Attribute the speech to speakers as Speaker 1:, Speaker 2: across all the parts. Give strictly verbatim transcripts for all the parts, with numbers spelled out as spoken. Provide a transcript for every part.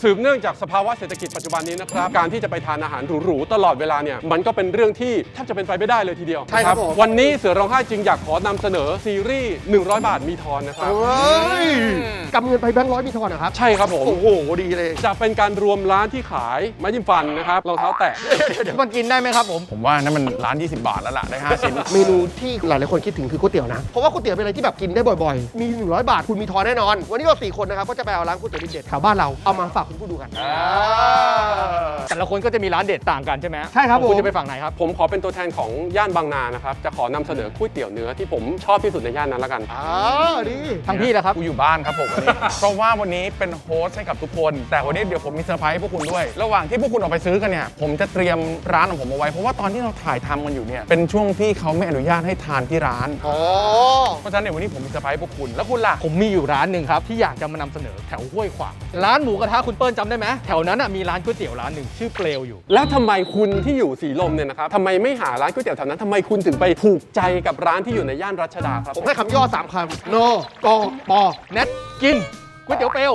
Speaker 1: สืบเนื่องจากสภาวะเศรษฐกิจปัจจุบันนี้นะครับการที่จะไปทานอาหารหรูๆตลอดเวลาเนี่ยมันก็เป็นเรื่องที่แทบจะเป็นไปไม่ได้เลยทีเดียว
Speaker 2: ใช่ครับผม
Speaker 1: วันนี้เสือร้องไห้จึงอยากขอนำเสนอซีรีส์หนึ่งร้อยบาทมีทอนนะครับ
Speaker 2: เฮ้ยกำเงินไปแบงค์ร้อยมีทอนนะครับ
Speaker 1: ใช่ครับผม
Speaker 2: โอ้โหดีเลย
Speaker 1: จะเป็นการรวมร้านที่ขายไม้จิ้มฟันนะครับรองเท้าแตะ
Speaker 3: มันกินได้ไหมครับผม
Speaker 4: ผมว่านั่นมันร้าน ยี่สิบบาทแล้วล่ะ ได้ ห้าชิ้น
Speaker 2: เมนูที่หลายๆคนคิดถึงคือก๋วยเตี๋ยวนะเพราะว่าก๋วยเตี๋ยวเป็นอะไรที่แบบกินได้บ่อยๆมีหนึ่งร้อยบาทคุณมีทอนแน่นอนวันนี้เราสี่คนนะครับก็จะไปเอาร้านก๋วยเตี๋ยวเด็ดๆแถวบ้านเราเอามาฝากคุณผู้ดูกัน
Speaker 3: แต่ละคนก็จะมีร้านเด็ดต่างกันใช่ไหม
Speaker 2: ใช่ครับ
Speaker 3: ของคุณ
Speaker 2: ผม
Speaker 3: จะไปฝั่งไหนครับ
Speaker 1: ผมขอเป็นตัวแทนของย่านบางนานะครับจะขอนำเสนอก๋วยเตี๋ยวเนื้อที่ผมชอบที่สุดในย่านนั้นละกัน
Speaker 2: อ่าดี
Speaker 3: ทางพี่แหละครับ
Speaker 4: กูอยู่บ้านครับผมวันนี้ เพราะว่าวันนี้เป็นโฮสต์ให้กับทุกคน แต่วันนี้เดี๋ยวผมมีเซอร์ไพรส์ให้พวกคุณด้วย ระหว่างที่พวกคุณออกไปซื้อกันเนี่ย ผมจะเตรียมร้านของผมเอาไว้ เพราะว่าตอนที่เราถ่ายทำกันอยู่เนี่ย เป็นช่วงที่เขาไม่อนุญาตให้ทานที่ร้าน
Speaker 2: อ๋อ
Speaker 4: เพราะฉะนั้นเดี๋ยววันนี้ผมมีเซอร์ไพรส์ให้พวกคุณ แล้วคุณล่ะ
Speaker 3: ผมมีอยู่ร้านหนึ่งครับที่อยากจะมานำเสนอแถวห้วยขวางร้านหมูกระทะคุณเปิ้ลจำได้ไหมแถวนั้นน่ะมีร้านก๋วยเตี๋ยวร้านหนึ่งชื่อเปลวอยู่
Speaker 1: แล้วทำไมคุณที่อยู่สีลมเนี่ยนะครับทำไมไม่หาร้านก๋วยเตี๋ยวแถวนั้นทำไมคุณถึงไปถูกใจกับร้านที่อยู่ในย่านรัชดาครับ
Speaker 2: ผมให้คำย่อสามคำโนกอปอ
Speaker 3: เน็ตกินก๋วยเตี๋ยวเปลว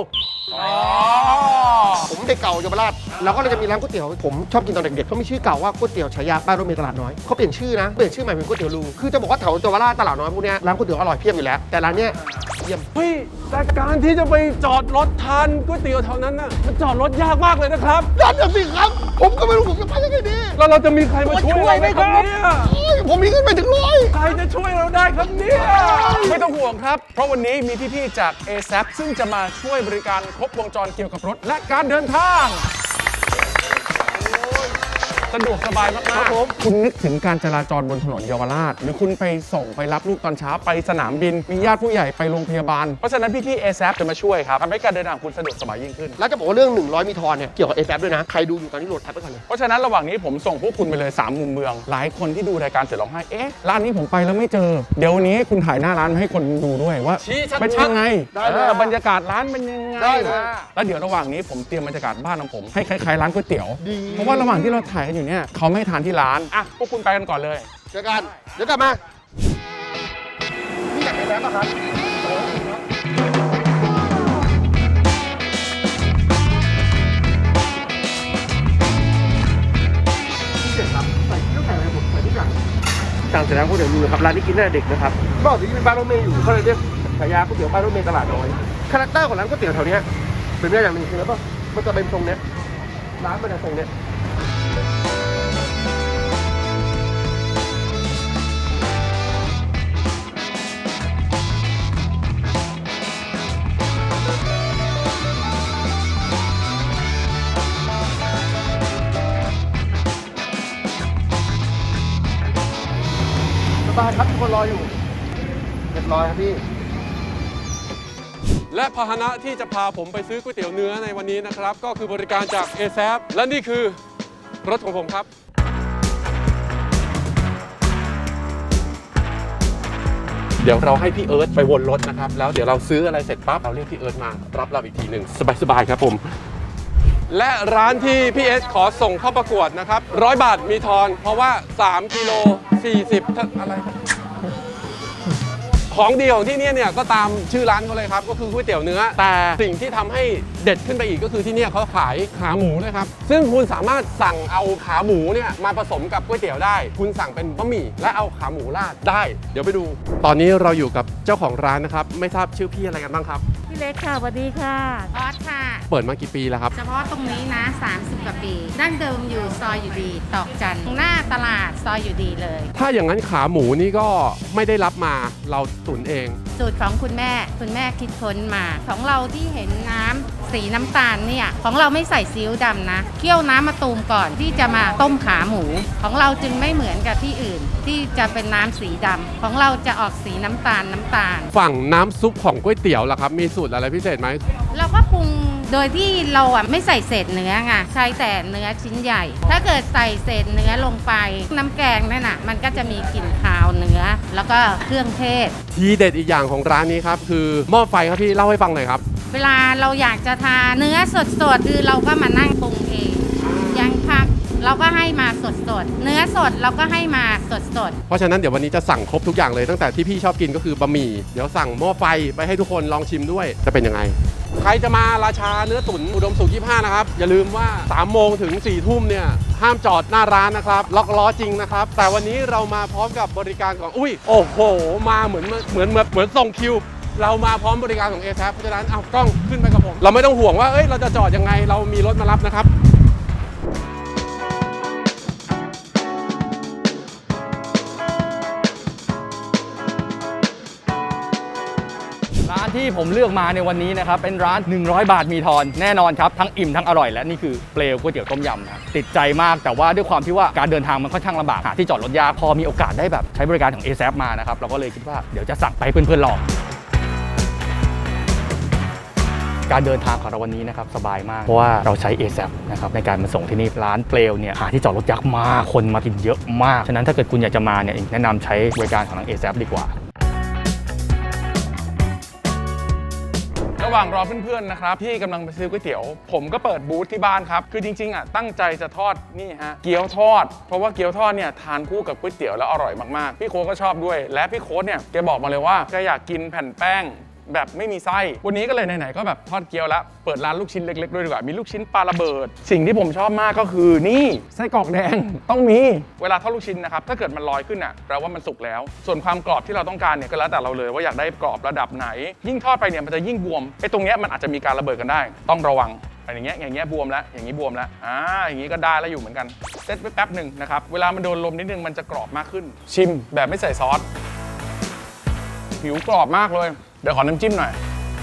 Speaker 2: ผมเด็กเก่าเยาวราชแล้วก็เลยจะมีร้านก๋วยเตี๋ยวผมชอบกินตอนเด็กๆเขามีชื่อเก่าว่าก๋วยเตี๋ยวฉายาป้ายรถเมล์ตลาดน้อยเขาเปลี่ยนชื่อนะเปลี่ยนชื่อใหม่เป็นก๋วยเตี๋ยวลุงคือจะบอกว่าแถวเยาวราชตลาดน้อยพวกเนี้ยร้านก๋วยเตี๋ยวอร่อยเพียบอยู่แล้วแต่ร้านเนี้ยเยี่ยม
Speaker 1: เฮ้ยแต่การที่จะไปจอดรถทานก๋วยเตี๋ยวแถวนั้นน่ะมันจอดรถยากมากเลยนะครับ
Speaker 2: นั่นน่ะสิครับ ผมก็ไม่รู้ผมจะไปยังไงดี
Speaker 1: แล้วเราจะมีใครมาช่วยเราไหมครับเนี่ย
Speaker 2: เฮ้ยผมมีเงินไปถึงร้อย
Speaker 1: ใครจะช่วยเราได้ครับเนี่ย
Speaker 4: ไม่ต้องห่วงครับ เพราะวันนี้มีพี่ๆจาก เอ แซป ซึ่งจะมาช่วยบริการครบวงจรเกี่ยวกับรถและการเดินทาง สะดวกสบายมากๆผมคุณนึกถึงการจราจรบนถนนเยาวราช หรือคุณไปส่งไปรับลูกตอนเช้าไปสนามบิน มีญาติผู้ใหญ่ไปโรงพยาบาล เพราะฉะนั้นพี่ๆ เอ แซป จะมาช่วยครับทำให้การเดินทางของคุณสะดวกสบายยิ่งขึ้น
Speaker 2: แล้วจะบอกว่าเรื่องหนึ่งร้อยมีทอนเนี่ยเกี่ยวกับ เอ แซป ด้วยนะ ใครดูอยู่ตอนนี้โหลดแอปไปก่อนเลย
Speaker 4: เพราะฉะนั้นระหว่างนี้ผมส่งพวกคุณไปเลยสามมุมเมือง หลายคนที่ดูรายการเสือร้องไห้เอ๊ะร้านนี้ผมไปแล้วไม่เจอ เดี๋ยววันนี้คุณถ่ายหน้าร้านมาให้คนดูด้วยว่า
Speaker 1: ชี้ชัดๆ
Speaker 4: เป็นยังไง
Speaker 2: ได้เลย
Speaker 4: เออบรรยากาศร้านเป็นยังไง
Speaker 2: ได้เลย
Speaker 4: แล้วเดี๋ยวระหว่างนี้ผมเตรียมบรรยากาศบ้านของผมให้คล้ายๆร้านก๋วยเตี๋ยว
Speaker 2: ดี
Speaker 4: เพราะว่าระหว่างที่เราถ่ายกันอยู่เนี่ยเขาไม่ให้ทานที่ร้านอ่ะพวกคุณไปกันก่อนเลย
Speaker 2: เจอกันเดี๋ยวกลับมานี่อยากไปแล้วป่ะครับพิเศษครับใส่ต้องใส่อะไรผมใส่ทุกอย่างสั่งเสร็จแล้วก๋วยเตี๋ยวลุงนะครับร้านนี้กินได้เด็กนะครับเมื่อก่อนที่เป็นบ้านรถเมย์อยู่เขาเลยเรียกฉายาก๋วยเตี๋ยวบ้านรถเมย์ตลาดน้อยคาแรคเตอร์ของร้านก๋วยเตี๋ยวแถวเนี้ยเป็นเรื่องอย่างหนึ่งคืออะไรป่ะมันจะเป็นทรงเนี้ยร้านมันจะทรงเนี้ย สบายครับทุกคนรออยู่เรียบร้อยครับพี่
Speaker 1: และพาหนะที่จะพาผมไปซื้อก๋วยเตี๋ยวเนื้อในวันนี้นะครับก็คือบริการจาก เอ แซป และนี่คือรถของผมครับเดี๋ยวเราให้พี่เอิร์ธไปวนรถนะครับแล้วเดี๋ยวเราซื้ออะไรเสร็จปั๊บเราเรียกพี่เอิร์ธมารับเราอีกทีหนึ่งสบายๆครับผมและร้านที่พี่เอสขอส่งเข้าประกวดนะครับร้อยบาทมีทอนเพราะว่าสามกิโลสี่สิบอะไรของดีของที่นี่เนี่ยก็ตามชื่อร้านเขาเลยครับก็คือก๋วยเตี๋ยวเนื้อแต่สิ่งที่ทำให้เด็ดขึ้นไปอีกก็คือที่นี่เขาขายขาหมูนะครับซึ่งคุณสามารถสั่งเอาขาหมูเนี่ยมาผสมกับก๋วยเตี๋ยวได้คุณสั่งเป็นบะหมี่และเอาขาหมูราดได้เดี๋ยวไปดู ตอนนี้เราอยู่กับเจ้าของร้านนะครับไม่ทราบชื่อพี่อะไรกันบ้างครับ
Speaker 5: พี่เล็กค่ะสวัสดีค่ะออสค่ะ
Speaker 1: เปิดมากี่ปีแล้วครับ
Speaker 5: เฉพาะตรงนี้นะสามสิบกว่าปีดั้งเดิมอยู่ซอยอยู่ดีตอกจันทร์หน้าตลาดซอยอยู่ดีเลย
Speaker 1: ถ้าอย่างนั้นขาหมูนี่ก็ไม่ได้รับมาเราตุ๋นเอง
Speaker 5: สูตรของคุณแม่คุณแม่คิดค้นมา ของเราที่เห็นน้ำสีน้ำตาลเนี่ยของเราไม่ใส่ซีอิ๊วดำนะเคี่ยวน้ำมะตูมก่อนที่จะมาต้มขาหมู ของเราจึงไม่เหมือนกับที่อื่น ที่จะเป็นน้ำสีดำของเราจะออกสีน้ำตาลน้ำตาล
Speaker 1: ฝั่งน้ำซุปของก๋วยเตี๋ยวล่ะครับมีสูตรอะไรพิเศษไหม
Speaker 5: เราก็ปรุงโดยที่เราอ่ะไม่ใส่เศษเนื้อไงใช้แต่เนื้อชิ้นใหญ่ ถ้าเกิดใส่เศษเนื้อลงไปน้ำแกงนั่นน่ะมันก็จะมีกลิ่นคาวเนื้อ แล้วก็เครื่องเทศ
Speaker 1: ทีเด็ดอีกอย่างของร้านนี้ครับคือหม้อไฟครับพี่เล่าให้ฟังหน่อยครับ
Speaker 5: เวลาเราอยากจะทานเนื้อสดๆคือเราก็มานั่งปรุงเองอย่างผักเราก็ให้มาสดๆเนื้อสดเราก็ให้มาสดๆ
Speaker 1: เพราะฉะนั้นเดี๋ยววันนี้จะสั่งครบทุกอย่างเลยตั้งแต่ที่พี่ชอบกินก็คือบะหมี่เดี๋ยวสั่งหม้อไฟไปให้ทุกคนลองชิมด้วยจะเป็นยังไงใครจะมาราชาเนื้อตุ๋นอุดมสุขยี่สิบห้านะครับอย่าลืมว่าสามโมงถึงสี่ทุ่มเนี่ยห้ามจอดหน้าร้านนะครับล็อกล้อจริงนะครับแต่วันนี้เรามาพร้อมกับบริการของอุ้ยโอ้โหมาเหมือนเหมือนเหมือนเหมือนส่งคิวเรามาพร้อมบริการของ เอ แซป เพราะฉะนั้นเอากล้องขึ้นไปกับผมเราไม่ต้องห่วงว่าเอ้ยเราจะจอดยังไงเรามีรถมารับนะครับ
Speaker 3: ร้านที่ผมเลือกมาในวันนี้นะครับเป็นร้านหนึ่งร้อยบาทมีทอนแน่นอนครับทั้งอิ่มทั้งอร่อยและนี่คือเปลวก๋วยเตี๋ยวต้มยำนะติดใจมากแต่ว่าด้วยความที่ว่าการเดินทางมันค่อนข้างลำบากหาที่จอดรถยากพอมีโอกาสได้แบบใช้บริการของ เอ แซป มานะครับเราก็เลยคิดว่าเดี๋ยวจะสั่งไปเพื่อนๆลองการเดินทางของเราวันนี้นะครับสบายมากเพราะว่าเราใช้ เอ แซป นะครับในการมาส่งที่นี่ร้านเปลวเนี่ยหาที่จอดรถยากมากคนมากินเยอะมากฉะนั้นถ้าเกิดคุณอยากจะมาเนี่ยแนะนำใช้บริการของทาง เอ แซป ดีกว่า
Speaker 4: ระหว่างรอเพื่อนๆนะครับที่กำลังไปซื้อก๋วยเตี๋ยวผมก็เปิดบูธที่บ้านครับคือจริงๆอ่ะตั้งใจจะทอดนี่ฮะเกี๊ยวทอดเพราะว่าเกี๊ยวทอดเนี่ยทานคู่กับก๋วยเตี๋ยวแล้วอร่อยมากๆพี่โค้ดก็ชอบด้วยและพี่โค้ดเนี่ยแกบอกมาเลยว่าแกอยากกินแผ่นแป้งแบบไม่มีไส้วันนี้ก็เลยไหนๆก็แบบทอดเกี๊ยวแล้วเปิดร้านลูกชิ้นเล็กๆด้วยดีกว่ามีลูกชิ้นปลาระเบิดสิ่งที่ผมชอบมากก็คือนี่ไส้กรอกแดงต้องมีเวลาทอดลูกชิ้นนะครับถ้าเกิดมันลอยขึ้นอ่ะแปลว่ามันสุกแล้วส่วนความกรอบที่เราต้องการเนี่ยก็แล้วแต่เราเลยว่าอยากได้กรอบระดับไหนยิ่งทอดไปเนี่ยมันจะยิ่งบวมไอ้ตรงเนี้ยมันอาจจะมีการระเบิดกันได้ต้องระวังอย่างเงี้ยอย่างเงี้ยบวมแล้วอย่างงี้บวมแล้วอ่าอย่างงี้ก็ได้แล้วอยู่เหมือนกันเซตไว้แป๊บหนึ่งนะครับเวลามันโดนลมนิดนึงมันจะกรอบมากขึ้นชิมแบบไม่ใส่ซอสผิวกรอบมากเลยเดี๋ยวขอน้ำจิ้มหน่อย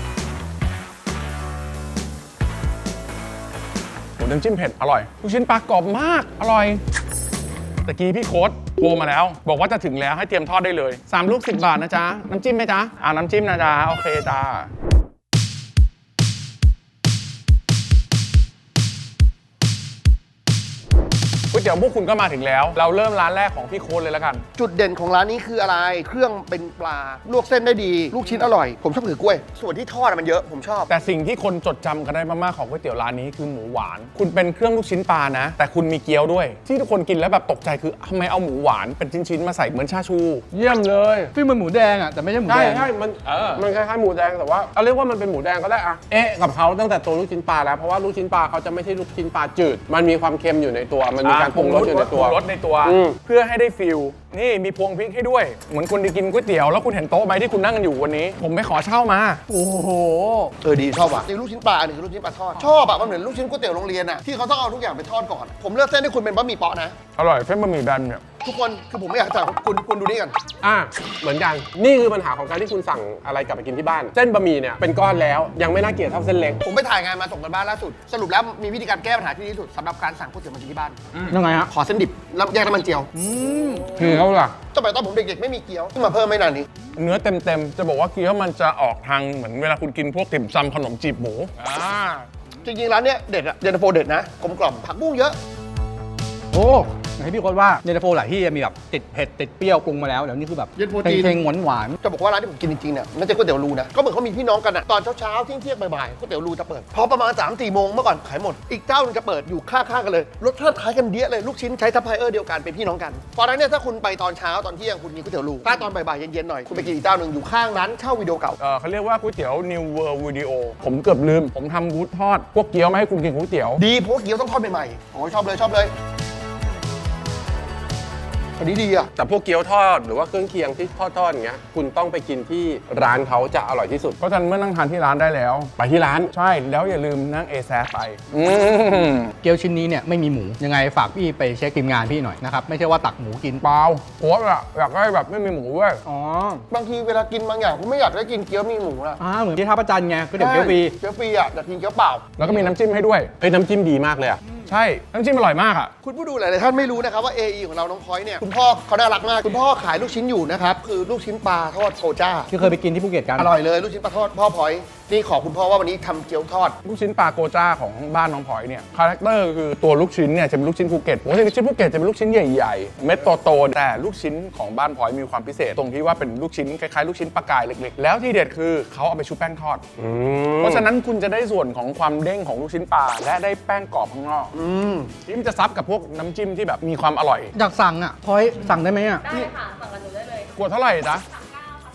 Speaker 4: น้ำจิ้มเผ็ดอร่อยลูกชิ้นปลากรอบมากอร่อยตะกี้พี่โค้ดโทรมาแล้วบอกว่าจะถึงแล้วให้เตรียมทอดได้เลยสามลูกสิบบาทนะจ๊ะน้ำจิ้มไหมจ๊ะอ่าน้ำจิ้มนะจ๊ะโอเคจ้าก๋วยเตี๋ยวพวกคุณก็มาถึงแล้วเราเริ่มร้านแรกของพี่โค้ดเลยแล้วกัน
Speaker 2: จุดเด่นของร้านนี้คืออะไรเครื่องเป็นปลาลวกเส้นได้ดีลูกชิ้นอร่อยผมชอบถือกล้วยส่วนที่ทอดมันเยอะผมชอบ
Speaker 4: แต่สิ่งที่คนจดจำกันได้มากๆของก๋วยเตี๋ยวร้านนี้คือหมูหวานคุณเป็นเครื่องลูกชิ้นปลานะแต่คุณมีเกี๊ยวด้วยที่ทุกคนกินแล้วแบบตกใจคือทำไมเอาหมูหวานเป็นชิ้นๆมาใส่เหมือนชาชูเยี่ยมเลย
Speaker 3: ที่มันหมูแดงอ่ะแต่ไม่ใช่หมูแดง
Speaker 1: ใช่ใช่มันมันคล้ายๆหมูแดงแต่ว่าเอาเรียกว่ามันเป็นหมูแดงก็ได้อะเอ๊ะกับเขาตั้งแต่ตัวลูกชิ้นปลาแล้วเพราะว่าลูกชิ้นปลาเขาจะไม่ใช่ลูกชิ้นปลาจืดมันมีความเค็มอยู่ในตัวมันมีการปรุงรสอยู่ในตัว
Speaker 4: รสในตัวเพื่อให้ได้ฟิลนี่มีพวงพริกให้ด้วยเหมือนคุณได้กินก๋วยเตี๋ยวแล้วคุณเห็นโต๊ะไหมที่คุณนั่งกันอยู่วันนี้ผมไปขอเช่ามาโอ้โห
Speaker 2: เออดีชอบว่ะนี่ลูกชิ้นปลาอันนี้คือลูกชิ้นปลาทอดชอบอะมันเหมือนลูกชิ้นก๋วยเตี๋ยวโรงเรียนอะที่เขาต้องเอาทุกอย่างไปทอดก่อนผมเลือกเส้นให้คุณเป็นบะหมี่เปาะนะ
Speaker 4: อร่อยเส้นบะหมี่แบนเนี่ย
Speaker 2: ทุกคนคือผมไม่อยากจ่ายคุณคุณดูนี่กัน
Speaker 1: อ่ะเหมือนกันนี่คือปัญหาของการที่คุณสั่งอะไรกลับไปกินที่บ้านเส้นบะหมี่เนี่ยเป็นก้อนแล้วยังไม่น่าเกลียดเท่าเส้นเล็ก
Speaker 2: ผมไปถ่ายงานมาส่งกันบ้านล่าสุดสรุปแล้วมีวิธีการแก้ปัญหาที่ดีที่สุดสำหรับการสั่งก๋วยเตี๋ยวมากินที่บ้าน
Speaker 3: ยังไงฮะ
Speaker 2: ขอเส้นดิบแล้วแยกน้ำมันเจียว
Speaker 1: เกี๊ยวล่ะ
Speaker 2: สมัยตอนผมเด็กๆไม่มีเกี๊ยวเพิ่งมาเพิ่มไม่นานนี้
Speaker 4: เนื้อเต็มๆจะบอกว่าเกี๊ยวมันจะออกทางเหมือนเวลาคุณกินพวกติ่มซำขนมจีบหมูอ่า
Speaker 2: จริงๆร้านเนี้ยเด็ดอะเย็นตาโฟเด็ดนะกลมกล่อมผักบุ้งเยอะ
Speaker 3: โอ้ให้พี่โค้ดว่าเย็นตาโฟหลายที่มีแบบติดเผ็ดติดเปรี้ยวปรุงมาแล้วเดี๋ยวนี้คือแบบ
Speaker 2: เย็นตาโฟจีน
Speaker 3: เค็งๆหวาน
Speaker 2: ๆจะบอกว่าร้านที่ผมกินจริงๆเนี่ยน่าจะก๋วยเตี๋ยวรูนะก็เหมือนเขามีพี่น้องกันอะตอนเช้าๆเที่ยงๆบ่ายๆก๋วยเตี๋ยวรูจะเปิดพอประมาณสามสี่โมงเมื่อก่อนขายหมดอีกเจ้านึงจะเปิดอยู่ข้างๆกันเลยรสชาติคล้ายกันเดียเลยลูกชิ้นใช้ซัพพลายเออร์เดียวกันเป็นพี่น้องกันเพราะฉะนั้นเนี่ยถ้าคุณไปตอนเช้าตอนเที่ยงคุณกินก๋วยเตี๋ยวรูถ้าตอนบ่ายๆเย็นๆหน่อยคุณไปกินอีกเจ้านึงอยู่ข้างร้านเช่าวิดีโอเก่า
Speaker 4: เออเขาเรียกว่าก๋วยเตี๋ยว New World Video ผมเกือบลืมผมทำบูธทอดพวกเกี๊ยวมาให้คุณกินก๋วยเตี๋ยว
Speaker 2: ดีเพราะเกี๊ยวต้องทอดใหม่ๆโอ้ชอบเลยชอบเลยอันนี้ดีอะ
Speaker 1: แต่พวกเกี๊ยวทอดหรือว่าเครื่องเคียงที่ทอดๆอย่างเงี้ยคุณต้องไปกินที่ร้านเขาจะอร่อยที่สุด
Speaker 4: เพราะฉะนั้นเมื่อนั่งทานที่ร้านได้แล้ว
Speaker 1: ไปที่ร้าน
Speaker 4: ใช่แล้วอย่าลืมนั่ง เอ แซป ไป
Speaker 3: เกี๊ยวชิ้นนี้เนี่ยไม่มีหมูยังไงฝากพี่ไปเช็คทีมงานพี่หน่อยนะครับไม่ใช่ว่าตักหมูกิน
Speaker 4: เปล่าโค้ดอะอยากได้แบบไม่มีหมูด้วย
Speaker 3: อ๋อบ
Speaker 2: างทีเวลากินบางอย่างผมไม่อยากได้กินเกี๊ยวมีหมูนะ
Speaker 3: อ่าเหมือนที่ท่าประจันไงก็เดี๋ยวเกี๊ยวฟรี
Speaker 2: เกี๊ยวฟรีอะอยากกินเกี๊ยวเปล่า
Speaker 4: แล้วก็มีน้ำจิ้มให้ด้วย
Speaker 1: เอ้ยน้ำจิ้มดีมากเลยอะ
Speaker 4: ใช่น้ำจิ้มอร่อยมากอ่ะ
Speaker 2: คุณผู้ดูหลายๆท่านไม่รู้นะครับว่า เอ อี ของเราน้องพลอยเนี่ยคุณพ่อเขาน่ารักมากคุณพ่อขายลูกชิ้นอยู่นะครับคือลูกชิ้นปลาทอดโซจ้า
Speaker 3: ที่เคยไปกินที่ภูเก็ตกัน
Speaker 2: อร่อยเลยลูกชิ้นปลาทอดพ่อพลอยนี่ขอคุณพ่อว่าวันนี้ทำเกี๊ยวทอด
Speaker 4: ลูกชิ้นปลาโกจ้าของบ้านน้องพลอยเนี่ยคาแรคเตอร์คือตัวลูกชิ้นเนี่ยจะเป็นลูกชิ้นภูเก็ตโอ้ยลูกชิ้นภูเก็ตจะเป็นลูกชิ้นใหญ่ๆเม็ดโตๆแต่ลูกชิ้นของบ้านพลอยมีความพิเศษตรงที่ว่าเป็นลูกชิ้นคล้ายๆลูกชิ้นปลากายเล็กๆแล้วที่เด็ดคือเขาเอาไปชุบแป้งทอดเพราะฉะนั้นคุณจะได้ส่วนของความเด้งของลูกชิ้นปลาและได้แป้งกรอบข้างนอกที่มันจะซับกับพวกน้ำจิ้มที่แบบมีความอร่อย
Speaker 3: อยากสั่งอ่ะพลอยสั่งได้ไหมอ่ะ
Speaker 6: ได้ค่ะสั่งกับหนูได้เลย
Speaker 4: ขวดเท่าไหร่จ๊ะ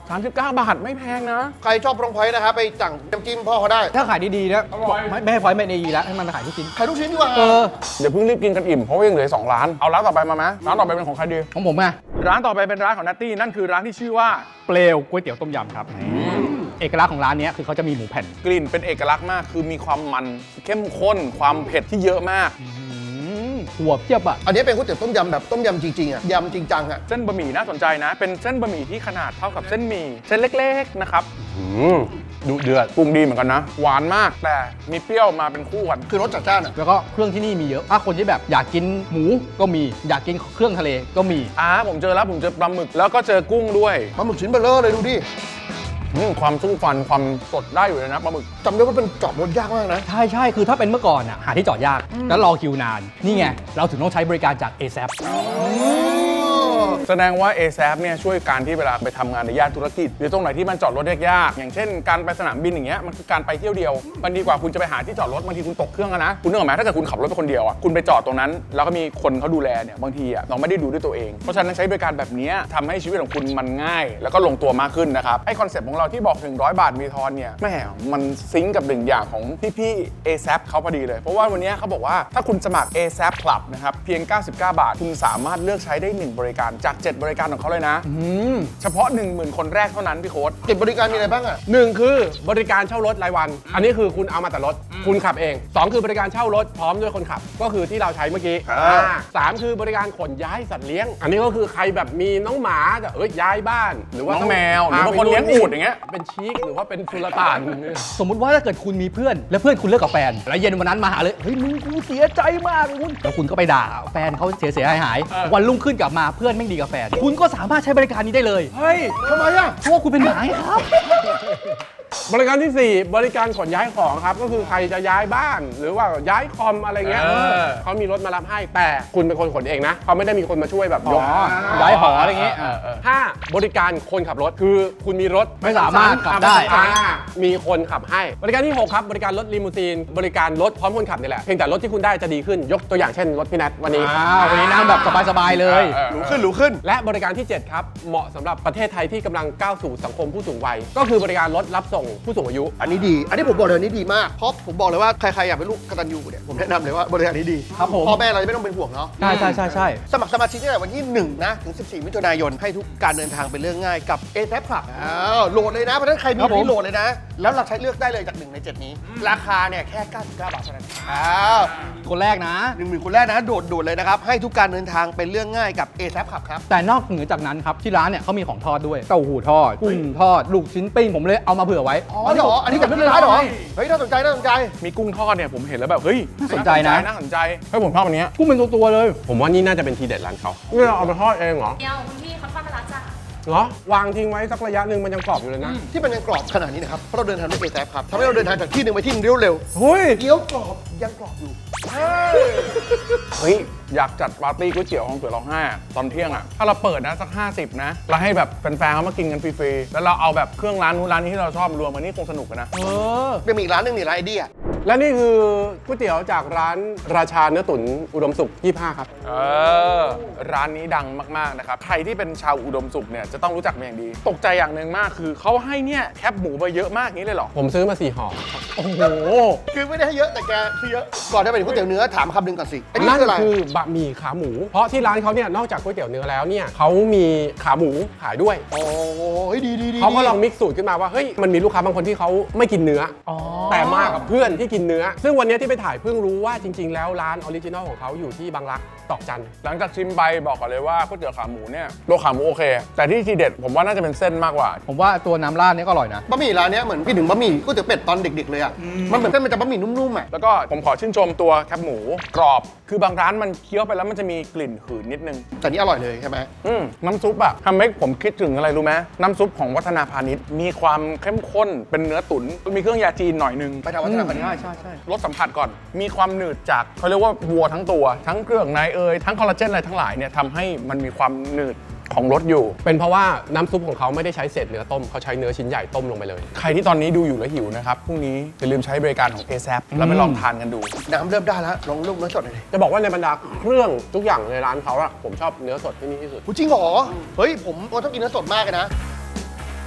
Speaker 4: สามสิบเก้าบาทไม่แพงนะ
Speaker 2: ใครชอบพรองพอยต์นะครับไปสั่งน้ำจิ้มพ่อเขาได้
Speaker 3: ถ้าขายดีๆนะไม่ไม่ให้พอยต์ไม่ดีแล้วให้มันมาขายทุกชิ้น
Speaker 2: ขายทุกชิ้นดีกว่า
Speaker 3: เออ
Speaker 4: เดี๋ยวเพิ่งรีบกินกันอิ่มเพราะว่ายังเหลือสองร้านเอาร้านต่อไปมาไหมร้านต่อไปเป็นของใครดี
Speaker 3: ของผมไง
Speaker 4: ร้านต่อไปเป็นร้านของนัตตี้นั่นคือร้านที่ชื่อว่า
Speaker 3: เปลวก๋วยเตี๋ยวต้มยำครับเอกลักษณ์ของร้านนี้คือเขาจะมีหมูแผ่น
Speaker 4: กลิ่นเป็นเอกลักษณ์มากคือมีความมันเข้มข้นความเผ็ดที่เยอะมาก
Speaker 3: หัวเพียบอ่ะ
Speaker 2: อันนี้เป็นก๋วยเตี๋ยวต้มยำแบบต้มยำจริงๆอ่ะยำจริงจังอ่ะ
Speaker 4: เส้นบะหมี่น่าสนใจนะ เป็นเส้นบะหมี่ที่ขนาดเท่ากับเส้นหมี่เส้นเล็กๆนะครับดุเดือดปรุงดีเหมือนกันนะ หวานมากแต่มีเปรี้ยวมาเป็นคู่กัน
Speaker 2: คือรสจัดจ้านอ่ะ
Speaker 3: แล้วก็เครื่องที่นี่มีเยอะถ้าคนที่แบบอยากกินหมูก็มีอยากกินเครื่องทะเลก็มี
Speaker 4: อ่าผมเจอแล้วผมเจอปลาหมึกแล้วก็เจอกุ้งด้วย
Speaker 2: ปลาหมึกชิ้นเบลอเลยดูดิ
Speaker 4: อืมความสู้ฟันความสดได้อยู่เลยนะปลาหมึก
Speaker 2: จำได้ว่าเป็นจอดรถยากมากนะ
Speaker 3: ใช่ใช่คือถ้าเป็นเมื่อก่อนอ่ะหาที่จอดยากแล้วรอคิวนาน นี่ไง เราถึงต้องใช้บริการจาก เอ แซป
Speaker 4: แสดงว่า เอ แซป เนี่ยช่วยการที่เวลาไปทำงานในย่านธุรกิจหรือตรงไหนที่มันจอดรถยากๆอย่างเช่นการไปสนามบินอย่างเงี้ยมันคือการไปเที่ยวเดียวมันดีกว่าคุณจะไปหาที่จอดรถบางทีคุณตกเครื่องอะนะคุณนึกออกไหมถ้าเกิดคุณขับรถไปคนเดียวอ่ะคุณไปจอดตรงนั้นแล้วก็มีคนเขาดูแลเนี่ยบางทีอ่ะเราไม่ได้ดูด้วยตัวเองเพราะฉะนั้นใช้บริการแบบนี้ทำให้ชีวิตของคุณมันง่าย แล้วก็ลงตัวมากขึ้นนะครับไอคอนเซ็ปต์ของเราที่บอกหนึ่งร้อยบาทมีทอนเนี่ยแม่มันซิงก์กับหนึ่งอย่างของพี่ๆ เอ แซป เขาพอดีเลยเพราะว่าวันนี้เขาบอกว่าถ้าคุณสมัคร เอ แซป Club นะครับเพียงเก้าสิบเก้าบาทคุณสามารถเลือกใช้ได้หนึ่งบริการจากเจ็ดบริการของเขาเลยนะเฉพาะ หนึ่งหมื่น คนแรกเท่านั้นพี่โค้ด
Speaker 2: เก็บบริการมีอะไรบ้างอ่ะ
Speaker 1: หนึ่งคือบริการเช่ารถรายวัน อันนี้คือคุณเอามาแต่รถคุณขับเองสองคือบริการเช่ารถพร้อมด้วยคนขับ ก็คือที่เราใช้เมื่อกี้
Speaker 2: ครับ
Speaker 1: อ่าสามคือบริการขนย้ายสัตว์เลี้ยง อันนี้ก็คือใครแบบมีน้องหมาจะเอ้ยย้ายบ้าน หรือว่า
Speaker 4: น้อง
Speaker 1: ต้
Speaker 4: แมวหรือว่าคนเลี้ยงอูฐอย่างเงี้ย
Speaker 1: เป็นชีกหรือว่าเป็นสุลต่าน
Speaker 3: สมมุติว่าถ้าเกิดคุณมีเพื่อน แล้วเพื่อนคุณเลิกกับแฟน แล้วเย็นวันนั้นมาหาเลยเฮ้ยมึงกูเสียใจมากคุณแล้วคุณก็ไปด่าแฟนเขาเสียเสียหายหายๆวันรุ่งขึ้นกลับมาเพื่อนไม่ดีกับแฟน คุณก็สามารถใช้บริการนี้ได้เลย
Speaker 1: เฮ้ย
Speaker 2: ทำไมอ่ะ
Speaker 3: เพราะว่าคุณเป็นหมาไงครับ
Speaker 1: บริการที่สี่บริการขนย้ายของครับก็คือใครจะย้ายบ้าน หรือว่าย้ายคอมอะไรเงี้ย
Speaker 4: เออ
Speaker 1: เขามีรถมารับให้แต่คุณเป็นคนขนเองนะเขาไม่ได้มีคนมาช่วยแบบยก
Speaker 3: ย้ายหออะไรอย่างงี้
Speaker 1: เเออห้าบริการคนขับรถคือคุณมีรถ
Speaker 3: ไม่สามารถขับได้
Speaker 1: อ่ามีคนขับให้ บริการที่หกครับบริการรถลิมูซีนบริการรถพร้อมคนขับนี่แหละเพียงแต่รถที่คุณได้จะดีขึ้นยกตัวอย่างเช่นรถพี่แนทวันนี้
Speaker 3: อ้าววันนี้นั่งแบบสบายๆเลย
Speaker 1: เออ
Speaker 2: หรูขึ้นหรูขึ้น
Speaker 1: และบริการที่เจ็ดครับเหมาะสำหรับประเทศไทยที่กำลังก้าวสู่สังคมผู้สูงวัยก็คือบริการรถรับส่งผู้สูงอายุ
Speaker 2: อันนี้ดี อันนี้ผมบอกเลยอันนี้ดีมาก เพราะผมบอกเลยว่าใครๆอยากเป็นลูกกตัญญูเนี่ยผมแนะนำเลยว่าบริการนี้ดี
Speaker 3: ครับผม
Speaker 2: พ่อแม่เราจะไม่ต้องเป็นห่วงเนาะ
Speaker 3: ใช่ใช่ใช่ใช่
Speaker 2: สมัครสมาชิกตั้งแต่วันที่หนึ่งนะถึงสิบสี่มิถุนายนให้ทุกการเดินทางเป็นเรื่องง่ายกับ เอ แซป Club อ้าวโหลดเลยนะเพราะฉะนั้นใครมี
Speaker 3: ครับผม
Speaker 2: นี่โหลดเลยนะ แล้วเราใช้เลือกได้เลยจากหนึ่งในเจ็ดนี้ ราคาเนี่ยแค่เก้าสิบเก้าบาทเท่านั้นอ้าว
Speaker 3: คนแรกนะ
Speaker 2: หนึ่งหมื่นคนแรกนะโดดโดดเลยนะครับให้ทุกการเดินทางเป็นเรื่องง่ายกับ เอ แซป Club ครับ
Speaker 3: แต่นอกเหนือจากนั้นครับที่ร้านเนี่ยเขามีของทอดด้วยเต้าหู้ทอดกุ้งทอดลูกชิ้นปิ้งผมเลยเอามาเผื่อไว้
Speaker 2: อ๋อเหรอ อันนี้จากที่ร้านเหรอ เฮ้ยน่าสนใจน่าสนใจ
Speaker 4: มีกุ้งทอดเนี่ยผมเห็นแล้วแบบเฮ้ย
Speaker 3: น่าสนใจนะ
Speaker 4: น่าสนใจเฮ้ยผมชอบอันเนี้ย
Speaker 3: กุ้งเป็นตัวๆเลย
Speaker 1: ผมว่านี่น่าจะเป็นทีเด็ดร้านเขานี่เราเอามาทอดเองเหรอ
Speaker 6: เดียวคุณพี่เขาทอดไปแล้วจ้ะ
Speaker 1: เหรอวางทิ้งไว้สักระยะหนึ่งมันยังกรอบอยู่เลยนะ
Speaker 2: ที่มันยังกรอบขนาดนี้นะครับ เพราะเราเดินทางด้วย เอ แซป ครับทำให้เราเดินทางจากที่หนึ่งไปที่หนึ่งเร็ว
Speaker 1: เฮ้ย
Speaker 2: ๆเกี๊ยวกรอบยังกรอบอยู่
Speaker 4: เฮ้ยอยากจัดปาร์ตี้ก๋วยเตี๋ยวของเผื่อร้องไห้อะตอนเที่ยงอ่ะถ้าเราเปิดนะสักห้าสิบนะแล้วให้แบบแฟนๆเขามากินกันฟรีๆแล้วเราเอาแบบเครื่องร้านนู้นร้านนี้ที่เราชอบมารวมกันนี่คงสนุกกันนะ
Speaker 3: เออ
Speaker 2: เป็นมีอีกร้านหนึงนี่ร้านไอเดีย
Speaker 1: และนี่คือก๋วยเตี๋ยวจากร้านราชาเนื้อตุ๋นอุดมสุขยี่สิบห้าครับ
Speaker 4: เออร้านนี้ดังมากๆนะครับใครที่เป็นชาวอุดมสุขเนี่ยจะต้องรู้จักเป็นอย่างดี ตกใจอย่างหนึ่งมากคือเขาให้เนี่ยแคบหมูไปเยอะมากนี้เลยเหรอ
Speaker 1: ผมซื้อมาสี่ห่อ
Speaker 3: โอ้โห
Speaker 2: คือไม่ได้ให้เยอะแต่แกคือเยอะ ก่อนจะไปถึงก๋วยเตี๋ยวเนื้อถามคำหนึ่งก่อนสิไอ้นี่
Speaker 1: นั่น
Speaker 2: คืออะไร
Speaker 1: คือบะหมี่ขาหมู เพราะที่ร้านเขาเนี่ยนอกจากก๋วยเตี๋ยวเนื้อแล้วเนี่ยเขามีขาหมูขายด้วย
Speaker 2: โอ้เฮ้ยดีดีดี
Speaker 1: เขาก็ลองมิกซ์สูตรขึ้นมาว่าเฮ้ยมันมีลูกค้าบางคนที่เขาไม่กินเนื้ออ
Speaker 3: อ๋อ
Speaker 1: แต่มากับเพื่อนที่กินเนื้อ ซึ่งวันนี้ที่ไปถ่ายเพิ่งรู้ว่าจริง ๆ แล้วร้านออริจินอลของเขาอยู่ที่บางรักตอกจัน
Speaker 4: หลังจากชิมไปบอกก่อนเลยว่าก๋วยเตี๋ยวขาหมูเนี่ยตัวขาหมูโอเค แต่ที่ทีเด็ดผมว่าน่าจะเป็นเส้นมากกว่า
Speaker 3: ผมว่าตัวน้ำราดเนี่ยก็อร่อยนะ
Speaker 2: บะหมี่ร้านเนี้ยเหมือนพี่ถึงบะหมี่ก๋วยเตี๋ยวเป็ดตอนเด็กๆเลยอ่ะ มันเหมือนเส้นมันจะบะหมี่นุ่มๆอ่ะ
Speaker 4: แล้วก็ผมขอชื่นชมตัวแคบหมูกรอบ คือบางร้านมันเคี้ยวไปแล้วมันจะมีกลิ่นหืนนิดนึง
Speaker 2: แต่นี่อร่อยเลยใช่ไหม
Speaker 4: อืมน้ำซุปอะทำให้ผมคิดถึงอะไรรู้ไหมน้ำซุปของวัฒนาพาณิชย์มีความเข้มข้นเป็นเนื้อตุ๋นมีเครื่องยาจีนหน่อยนึง
Speaker 2: ไปทางวัฒนธรรม
Speaker 3: ใช่ใช่ใช่
Speaker 4: รสสัมผัสก่อน มีความหนืดจากเขาเรียกว่าวัวทั้งตัว ทั้งเครื่องในเอยทั้งคอลลาเจนอะไรทั้งหลายเนี่ยทำให้มันมีความหนืดของรสอยู่
Speaker 1: เป็นเพราะว่าน้ำซุปของเขาไม่ได้ใช้เศษเนื้อต้มเขาใช้เนื้อชิ้นใหญ่ต้มลงไปเลย
Speaker 4: ใครที่ตอนนี้ดูอยู่แล้วหิวนะครับพรุ่งนี้อย่าลืมใช้บริการของ เอ แซป แล้วไปลองทานกันดู
Speaker 2: น้ำเริ่มได้แล้ว ลองลูกเนื้อสดหน่อยดิ
Speaker 1: จะบอกว่าในบรรดาเครื่องทุกอย่างในร้านเขาอะผมชอบเนื้อสดที่นี่ที่สุด
Speaker 2: หูจริงเหรอ เฮ้ยผมผมชอบกินเนื้อสดมากเลยนะ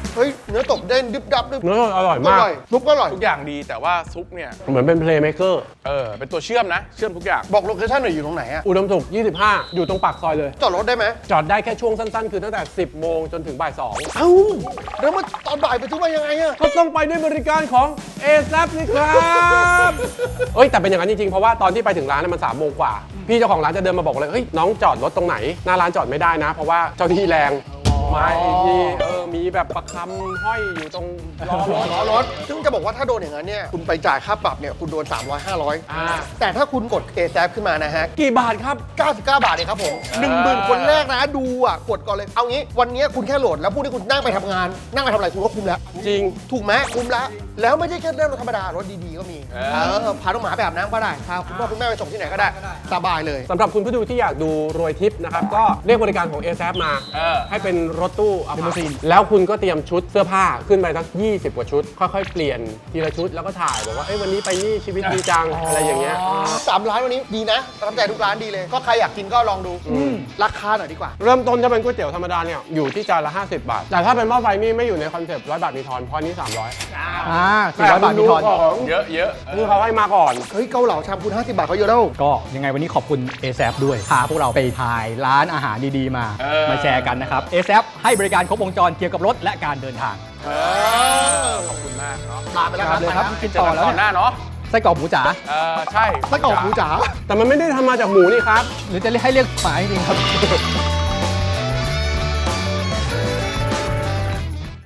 Speaker 2: เฮ้ยเนื้อตบเด้นดิบดับดิบ
Speaker 1: เนื้ออร่อยมาก
Speaker 2: ซุปก็อร่อย
Speaker 4: ทุกอย่างดีแต่ว่าซุปเนี่ย
Speaker 1: เหมือนเป็นเพลย์เม k เกอร์
Speaker 4: เออเป็นตัวเชื่อมนะ เชื่อมทุกอย่าง
Speaker 2: บอกโลเคชั่นหน่อยอยู่ตรงไหนอะ
Speaker 1: อุดมสุขยี่สิบห้า อยู่ตรงปากซอยเลย
Speaker 2: จอดรถได้ไหม
Speaker 1: จอดได้แค่ช่วงสั้นๆ คือตั้งแต่ สิบโมงจนถึงบ่ายสอง
Speaker 2: เอ้าแล้วมาตอนบ่ายไปทุกวันยังไงอะ
Speaker 1: ก็ต้องไปด้วยบริการของ เอ แซป นี่ครับเอ้ยแต่เป็นอย่างนั้นจริงๆ เพราะว่าตอนที่ไปถึงร้านน่ะมันสามโมงกว่า พี่เจ้าของร้านจะเดินมาบอกเลยเฮ้ยน้องจอดรถตรงไหน หน้าร้านจอดไม่ได้นะ เพราะว่าเจ้าที่แรงมาอีกทีเออมีแบบประคำห้อยอยู่ตรงล้อรถ
Speaker 2: ล้อรถซึ่งจะบอกว่าถ้าโดนอย่างนั้นเนี่ยคุณไปจ่ายค่าปรับเนี่ยคุณโดน สามร้อย ห้าร้อย
Speaker 1: อ่า
Speaker 2: แต่ถ้าคุณกด เอ แซป ขึ้นมานะฮะ
Speaker 1: กี่บาทครับ
Speaker 2: เก้าสิบเก้า บาทเองครับผมหนึ่งหมื่นคนแรกนะดูอ่ะกดก่อนเลยเอางี้วันนี้คุณแค่โหลดแล้วพรุ่งนี้คุณนั่งไปทำงาน นั่งไปทำอะไรคุณก็คุ้มแล้ว
Speaker 1: จริง
Speaker 2: ถูกไหมคุ้มแล้ว แล้วไม่ใช่แค่เรื่องรถธรรมดารถดีๆก็มีเออพาน้องหมาไปอาบน้ำก็ได้พาคุณพ่อคุณแม่ไปส่งที่ไหนก็ได้สบายเลย
Speaker 1: สำหรับคุณผู้ดูที่อยากดูรวยทิปนะครับ ก็เรียกบริการของ เอ แซป มา
Speaker 4: เออ
Speaker 1: ให้เป็นรถตู้อัลพาแล้วคุณก็เตรียมชุดเสื้อผ้าขึ้นไปสักยี่สิบกว่าชุด ค่อยๆ เปลี่ยนทีละชุดแล้วก็ถ่ายบอกว่าเอ้ยวันนี้ไปนี่ชีวิตดีจังอะไรอย่างเงี้ย
Speaker 2: สามร้านวันนี้ดีนะประทับใจทุกร้านดีเลย ก็ใครอยากกินก็ลองดูราคาหน่อยดีกว่า
Speaker 1: เริ่มต้นจะเป็นก๋วยเตี๋ยวธรรมดาเนี่ยอยู่ที่จานละ ห้าสิบบาท แต่ถ้าเป็นหม้อไฟนี่ไม่อยู่ในคอนเซปต์ร้อยบาทมีทอนเพราะนี้สามร้อย
Speaker 3: อ่าสี่ร้อยบาทมีทอน
Speaker 4: เยอะเยอะ
Speaker 1: คือเขาให้มาก่อน
Speaker 2: เฮ้ยเกาเหลาชามคุณห้าสิบบาทเขาเยอะแล้ว
Speaker 3: ก็ยังไงวันนี้ขอบคุณ เอ แซป ด้วย พาพวกเราไปถ่ายร้านอาหารดีๆมา
Speaker 4: เออ
Speaker 3: มาแชร์กันนะครับ เอ แซป ให้บริการครบวงจรเกี่ยวกับรถและการเดินทาง
Speaker 2: เออ
Speaker 4: ขอบคุณมากเนาะ
Speaker 2: ลาไปแล้วครับ
Speaker 3: เลยครับ
Speaker 2: ไป
Speaker 3: กิน
Speaker 4: เจอ
Speaker 3: ต่อ
Speaker 4: กัน
Speaker 3: แล้ว
Speaker 4: ตอนห
Speaker 3: เนี่ย
Speaker 4: น้าเนาะ
Speaker 3: ไส้กรอกหมูจ๋า
Speaker 4: เออใช่
Speaker 2: ไส้กรอกหมูจ๋า
Speaker 1: แต่มันไม่ได้ทำมาจากหมูนี่ครับ
Speaker 3: หรือจะเรียกให้เรียกหมาจริงๆครับ